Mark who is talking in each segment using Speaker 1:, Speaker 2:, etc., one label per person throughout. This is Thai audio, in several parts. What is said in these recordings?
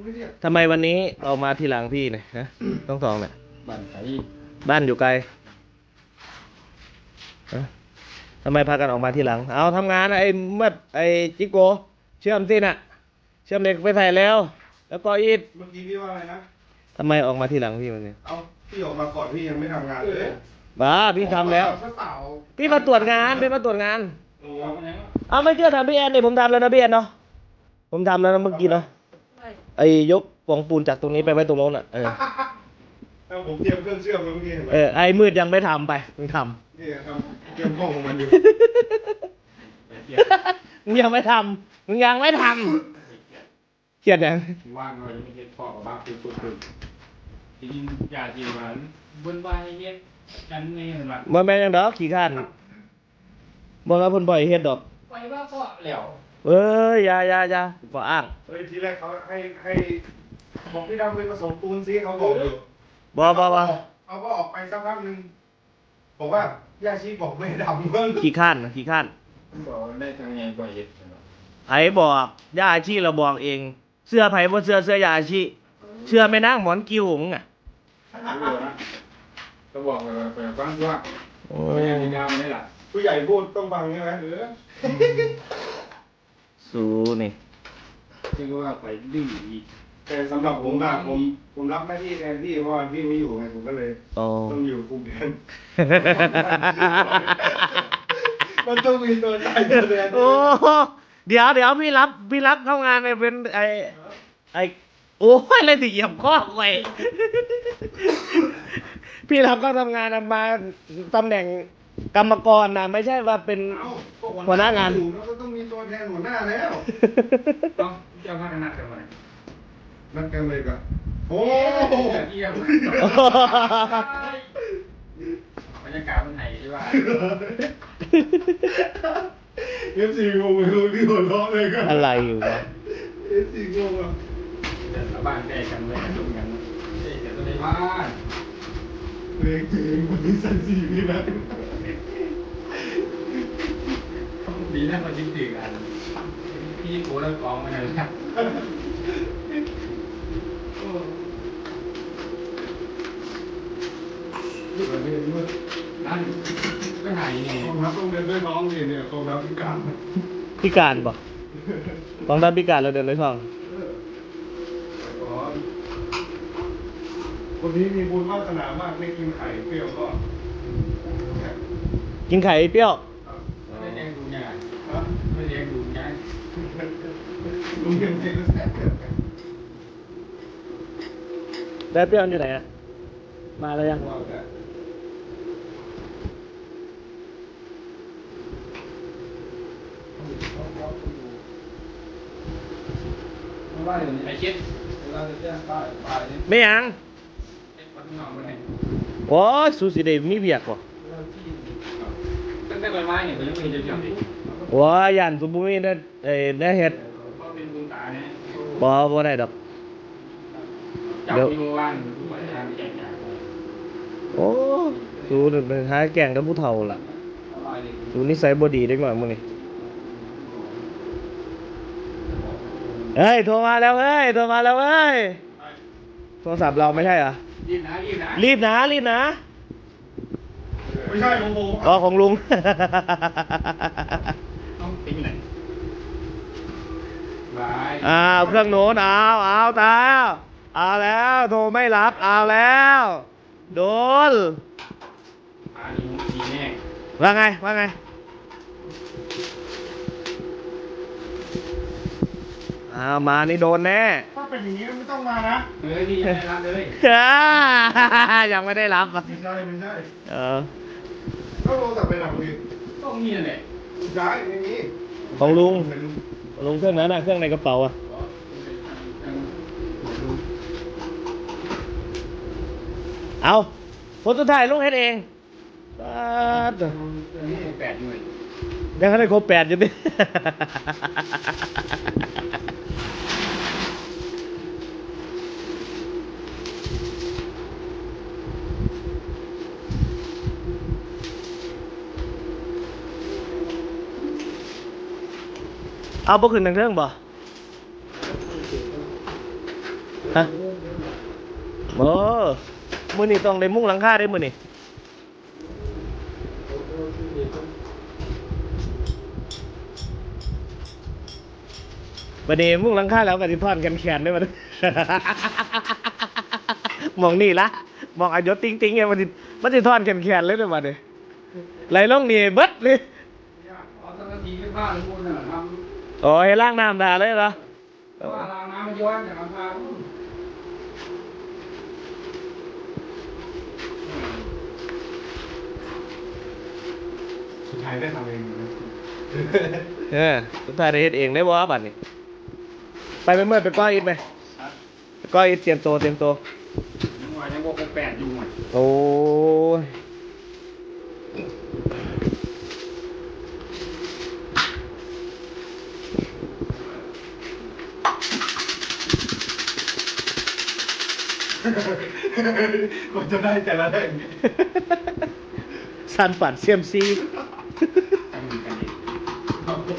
Speaker 1: ไม่เรียก
Speaker 2: ทำไมวันนี้เรามาทีหลังพี่เนี่ยนะต้องสองเนี่ย
Speaker 1: บ้านไก่
Speaker 2: บ้านอยู่ไกลฮะทำไมพากันออกมาทีหลังเอาทำงานไอ้เมื่อไอ้จิโกเชื่อมสิน่ะเชื่อมเหล็กไปใส่แล้วแล้วก็อีด
Speaker 1: เมื่อกี้พี่ว่าอะไรนะ
Speaker 2: ทำไมออกมาทีหลังพี่วันนี้
Speaker 1: เอาพี่ออกมาก่อนพี่ยังไม่ทำงานเลย
Speaker 2: บ้าพี่ทำแล้ว
Speaker 1: เปล่า
Speaker 2: พี่มาตรวจงานพี่มาตรวจงาน
Speaker 1: โอ้
Speaker 2: เอาไม่เชื่อถามพี่แอนดิผมทำแล้วนะพี่แอนเนาะผมทำแล้วนะเมื่อกี้เนาะไอ้ยกปองปูนจากตรงนี้ไปไว้ตรงโน้นอ่ะ
Speaker 1: แล้วผมเตรียมเครื่องเชื่อมเมื่อกี้เห็นไหม
Speaker 2: ไอ้มืดยังไม่ทำไปมึงท
Speaker 1: นี่ทำเตรียมห้องของมันอยู่
Speaker 2: ำ มึงยังไม่ทำมึงยังไม่ทำเขียดยัง
Speaker 3: ว่างเลยไม่เห็นพ่อกับบ้านคือสุดจริงๆอยากกินหวานบนใบเฮ็ดกันนี่เห็นไหม
Speaker 2: บ่แม่นยังดอกขี้ข้านบ่ว่าเพิ่นบ่ให้เฮ็ดดอก
Speaker 3: ไปว่าพ่อแล้ว
Speaker 2: เอ้ยอย่าบ่อ้าง
Speaker 1: เฮ้ยทีแรกเขาให้บอกพี่ดำไปผสมปูนซิเขาบอกอยู่
Speaker 2: บ่
Speaker 1: เขาก็ออกไปสักพักหนึ่งบอกว่าย่าชีบอกไม่ดำเพิ่ง
Speaker 2: ขี้ข้าน
Speaker 3: บอกได้ทางไงบ่เฮ็ด
Speaker 2: ไผบอกย่าอาชีเราบอกเอง เสื้อไผบ่เสื้อย่าอาชีเชื่อแม่นางหมอนกิ้วมึงอ่ะ
Speaker 3: ก็บอกไปฟังว่า
Speaker 2: โอ้
Speaker 3: ไม่ได้ดาวไม่ล่ะ
Speaker 1: ผู้ใหญ่พูดต้องฟังใช่ไหม
Speaker 2: สู้นี่
Speaker 3: ที่ว่าไปดื้ออีก
Speaker 1: แต่สำหรับผมอะผมรับหน้าที่แทนพี่เพราะว่าพี่ไม่อยู่ไงผมก็เลย
Speaker 2: โอ้
Speaker 1: ต้องอยู่คุมแทน มันต้องมีตัวตายตัวแทน
Speaker 2: โอ้เดี๋ยวพี่รับเข้างานไปเป็นไอโอ้ยอะไรที่เหยียบข้อไว้ พี่รับก็ทำงานมาตำแหน่งกรรมกรนะไม่ใช่ว่าเป็น
Speaker 1: เอ้าก็
Speaker 2: หัวหน้างาน
Speaker 1: อยู่แล้วก็ต้องมีตัวแทนหัวหน้าแล้ว
Speaker 3: ต้องเจ้าพนักงานกันมา
Speaker 1: นั่นกันเลยก็โอ้
Speaker 3: เยี่ยมบรรยากาศมันไหนใช่ป่ะ
Speaker 1: เอฟซีงงไปเลยพี่หัวเราะเลยก็
Speaker 2: อะไรอยู่วะ
Speaker 1: เอฟซีงงอ่ะ
Speaker 3: แต่บ้านแตกกันเลยกันกันเด็กกันในบ้าน
Speaker 1: เพลงจริงวันนี้สันสีนี่นะ
Speaker 3: ดีนะมันจริงจริงอันพี่โก้แล้วกองมาเลยครับ นั่นไม่หายนี่
Speaker 1: กองทัพต้องเดินด้วยน้องนี่เนี่ยกองทัพพิการ
Speaker 2: พิการปะกองทัพพิการเราเดินเลยท่อง
Speaker 1: คนนี้มีบุญวาสนามากไม่กินไข่เปรี้ยวก็
Speaker 2: กินไข่เปรี้ยว
Speaker 3: ไม่เลี้ยงดูง่าย
Speaker 1: ฮะ
Speaker 3: ไม่เลี้ยงดูง่าย
Speaker 1: ลุงยังเทแซ่บ
Speaker 2: ได้เปรี้ยวอยู่ไหนอะมาแล้วยัง
Speaker 1: ว่าแต่
Speaker 3: ว่าอย่างนี้ไอ้คิดเวลาจะแจ้งป้ายป้ายนี่
Speaker 2: ไม่ยัง
Speaker 3: เอ็ดปัดหน่อมาไหน
Speaker 2: โอ้ยสูสีเดมีเบียกปะ
Speaker 3: ตั้งแต่ใบไม้เนี่ยผมยังไม่เห็นจะเกี่ยวดิ
Speaker 2: โอ้ยยันสมบูรณ์นี่ได้เห็ด
Speaker 3: เพราะเป็นบุญตาเนี่ย
Speaker 2: บ่ได้ดอก
Speaker 3: จับที่ว่างทุกวันทางแจกจ่าย
Speaker 2: โอ้สูนี่เป็นท้ายแก่งกับผู้เฒ่าล่ะ
Speaker 3: อะไรเลย
Speaker 2: สูนิสัยบ่ดีเด็กหน่อยมึงนี่เฮ้ยโทรมาแล้วเฮ้ยโทรมาแล้วเฮ้ยโทรศัพท์เราไม่ใช่เหรอ
Speaker 3: รีบนะรีบนะ
Speaker 2: รีบนะ
Speaker 1: ไม่ใช่ของผม
Speaker 2: อ๋อของลุง
Speaker 3: ต้องติ้งไหนบาย
Speaker 2: เครื่องโน้นเอาตายเอาแล้วโทรไม่รับเอาแล้วโดน
Speaker 3: อันนี้ดีแน่
Speaker 2: ว่าไงมานี่โดนแน่
Speaker 1: ถ้าเป็นอย่างนี้ไม่ต้องมานะ
Speaker 3: เฮ้ยนี่ยังไม่รับเลย
Speaker 2: ยังไม่ได้รับอ่ะ
Speaker 1: ไม่ใช่ไม่ใช่
Speaker 2: เออ
Speaker 1: ก็โทรศัพท์ไปหลังดิ
Speaker 3: ต้องมีนั่นแหละ
Speaker 1: ใช่ไม่มี
Speaker 2: ของลุง
Speaker 1: ไม่รู้
Speaker 2: ลุงเครื่องนั้นเครื่องในกระเป๋าอ่ะเอาคนสุดท้ายลุงเฮ็ดเองป๊าด
Speaker 3: นี่8หน่วย
Speaker 2: ยังไม่ได้ครบ8อยู่ดิ เอาบ่ขึ้นทางเทิงบ่ฮะโอ้มื้อนี้ต้องได้มุ้งหลังคาได้มื้อนี้บัดนี้มุ้งหลังคาแล้วก็สิทอนกันแขนได้บัดนี้ มองนี่ละมองอายศติ๊งๆไงมันสิทอนแขนเลยเด้อบัดนี้ไหลลงนี่เบิดเลย
Speaker 3: เอาสักนาทีไม่พลาดเลยคุณน่ะท
Speaker 2: โอ้ให้ล้างน้ำด่าเลยเหรอ
Speaker 3: ำว่าล้างน้ำมันย้อนจากน้ำพา
Speaker 1: สุดท้ายได้ทำเองนะ
Speaker 2: สุดท้ายได้เฮ็ดเองได้บ่บัดนี้ไปเมื่อไปก้อยอิฐไหมไปก้อยอิฐเตรียมตัว
Speaker 3: ยังว่ายังบอกแปดอยู่อ่ะ
Speaker 2: โอ้ย
Speaker 1: ก็จะได้แต่ละเรื่อง
Speaker 2: สันปัดเซียมซี
Speaker 3: ทำกันเอง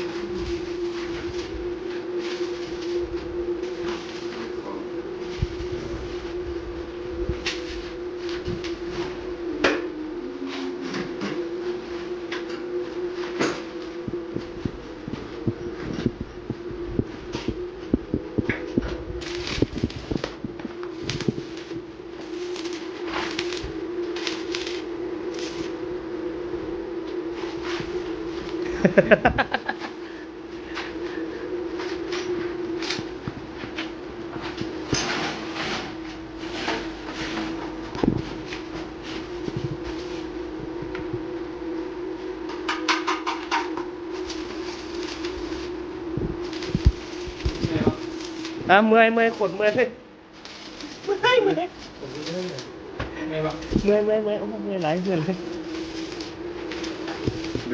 Speaker 2: เมื่อยขดเมื่อยเลยเมื่อย
Speaker 3: ไงวะ
Speaker 2: โอ้เมื่อยหลายเดือนเลย
Speaker 1: ดู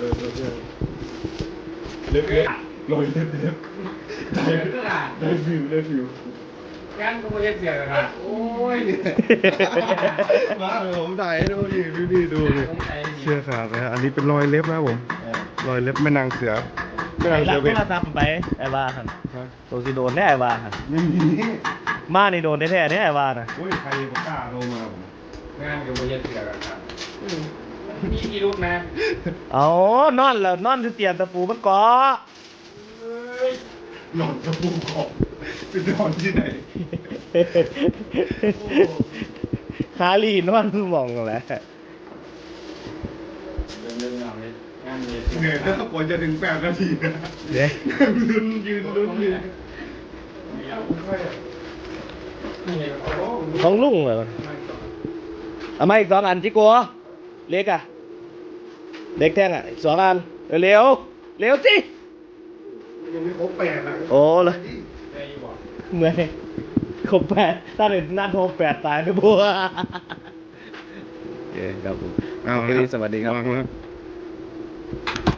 Speaker 1: เล็บลอยเล็บ
Speaker 3: เดี๋ยวก็ด่า
Speaker 1: ได้วิว
Speaker 3: งั้นก็ไม่ใช่เสียเลยนะโอ้ย
Speaker 1: มาเลยผมถ่ายให้ดูดิดูดิเชื่อขาดนะอันนี้เป็นรอยเล็บนะผมรอยเล็บแม่นางเสือแม่นาง
Speaker 2: รั
Speaker 1: เสื
Speaker 2: ก
Speaker 1: อเป็น
Speaker 2: โทรศัพท์ไปไอ้บ้าหันโดนสิโดนแน่ไอ้บ้าหัน
Speaker 1: ไม่มี
Speaker 2: มานี่โดนแท้ๆเนี่ยไอ้บ้าน่ะ
Speaker 1: โอ้ยใครบอกกล้าโทรมาผม
Speaker 3: งานก็ไม่ใช่เสียกันครับมีพิรุธนะ
Speaker 2: เอานอนแล้วนอนที่เตียงตะปูมันเกาะ
Speaker 1: หลอนกระปูกอบเป็นนอนที่ไหน
Speaker 2: ขาลีนอนมองกันแหละ
Speaker 3: เรื่องเอาเลยงานเลย
Speaker 1: เหนื่อยถ้ากว่าจะถึง8 นาทีนะ
Speaker 2: เด้
Speaker 1: ลุ้นยืนลุ้นอยู่
Speaker 2: ของลุงเหรอเอามาอีก2 อันจิโกะเล็กอะเล็กแท่งอะอีก2 อันเร็วสิ
Speaker 1: ยังไม่ครบ8นะ
Speaker 2: โอ้เลย
Speaker 3: ได้อยู่บ่
Speaker 2: เมื่อยครบ8ถ้าเด็ดนัดโทร8ตายนะบัวโอเคครับผม
Speaker 1: เอา
Speaker 2: สวัสดีครับ
Speaker 1: วางแล้ว